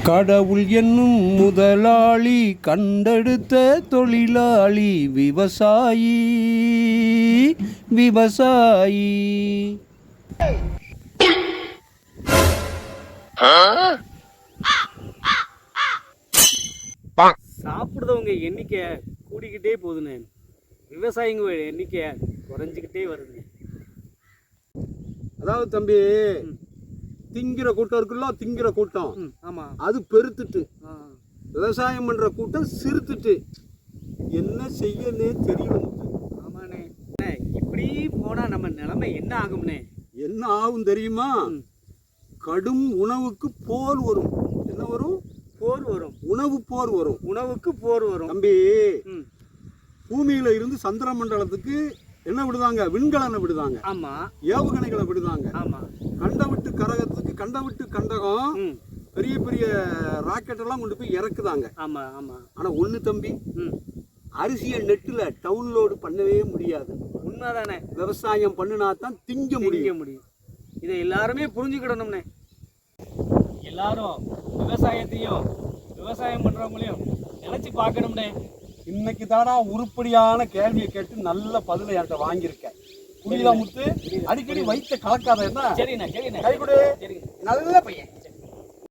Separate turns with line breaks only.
கடவுள் என்னும் முதலாளி கண்டெடுத்த தொழிலாளி விவசாயி விவசாயி.
சாப்பிடுறவங்க எண்ணிக்கை கூடிக்கிட்டே போகுதுண்ணே, விவசாயிங்க எண்ணிக்கை குறைஞ்சிக்கிட்டே வருதுங்க.
அதாவது தம்பி, திங்கிற கூட்டம் இருக்குல்ல, திங்கிற கூட்டம்
ஆமா,
அது பெருத்துட்டு விவசாயம் பண்ற கூட்டம் சிறுத்துட்டு என்ன செய்யனே தெரியல.
ஆமாண்ணே, இப்படி போனா நம்ம நிலைமை என்ன ஆகும்னே?
என்ன ஆகும் தெரியுமா? கடும் உணவுக்கு போர் வரும். என்ன வரும்?
போர் வரும்.
உணவு போர் வரும்.
உணவுக்கு போர் வரும்.
தம்பி, பூமியில இருந்து சந்திர மண்டலத்துக்கு என்ன விடுதாங்க? விண்கலனை விடுதாங்க.
ஆமா,
ஏவுகணைகளை விடுதாங்க.
ஆமா,
கண்டவிட்டு கரகத்துக்கு கண்டவிட்டு கண்டகம் பெரிய பெரிய ராக்கெட் எல்லாம் கொண்டு போய் இறக்குதாங்க.
ஆமா ஆமா.
ஆனா ஒண்ணு தம்பி, அரிசியை நெட்டுல டவுன்லோடு பண்ணவே முடியாது.
உண்மைதானே?
விவசாயம் பண்ணினா தான் திங்க முடியும்.
இதை எல்லாருமே புரிஞ்சுக்கிடணும்னே. எல்லாரும் விவசாயத்தையும் விவசாயம் பண்றவங்களையும் நினைச்சு பார்க்கணும்னே.
இன்னைக்கு தானா உருப்படியான கேள்வியை கேட்டு நல்ல பதிலை என்கிட்ட வாங்கியிருக்கேன். புரியல முத்து? அடிக்கடி வயிற்ற கலக்காத. என்ன?
சரிண்ணா, சரிண்ணா,
கை கொடு.
சரிங்க.
நல்ல பையன்.